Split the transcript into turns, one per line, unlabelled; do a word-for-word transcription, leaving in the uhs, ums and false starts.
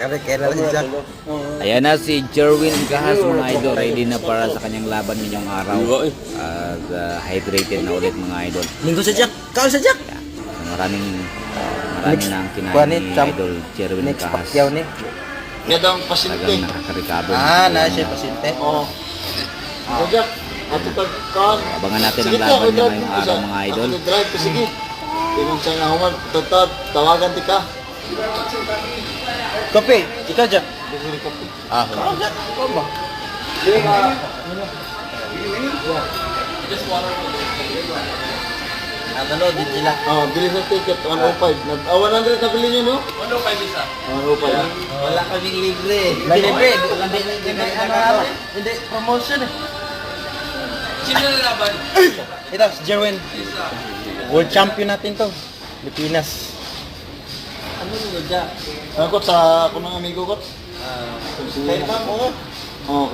Kaya kailan si Jack.
Ayan na si Jerwin Kahas mga idol, ready na para sa kanyang laban ngayong araw. At uh, hydrated na ulit mga idol.
Linggo sa Jack. Kao sa Jack.
Yeah. So, maraming marami na ang kinain
kuha ni
ni
Champ.
idol Jerwin
Next
Kahas.
pakyaw ni.
Yan daw ang pasyente.
Talagang nakakarikado.
Ah, na siya pasyente.
Oo. So, Jack, ato pagkaan.
Abangan natin ang laban niya ngayong araw mga idol.
Ako drive ko, sige. Tingnan siya nga human, tatad, tawagan ti ka.
Kopi, ikaw Jack.
Bigyan ka po.
Ah, Jack. Ikaw ba?
Sige nga.
Ano no, di sila.
Oh, bili sa ticket, one oh five. Nag- ah, one hundred na bili niyo, no?
one oh five isa.
one oh five.
Wala kaming libre. Libre. Hindi hindi ano hindi promotion eh.
Sino na laban?
Ito si Jerwin. World champion natin to. Pilipinas.
Ano nyo, Jack? Ako sa, ako ng amigo ko.
Ah,
Kaya ba mo? Oo.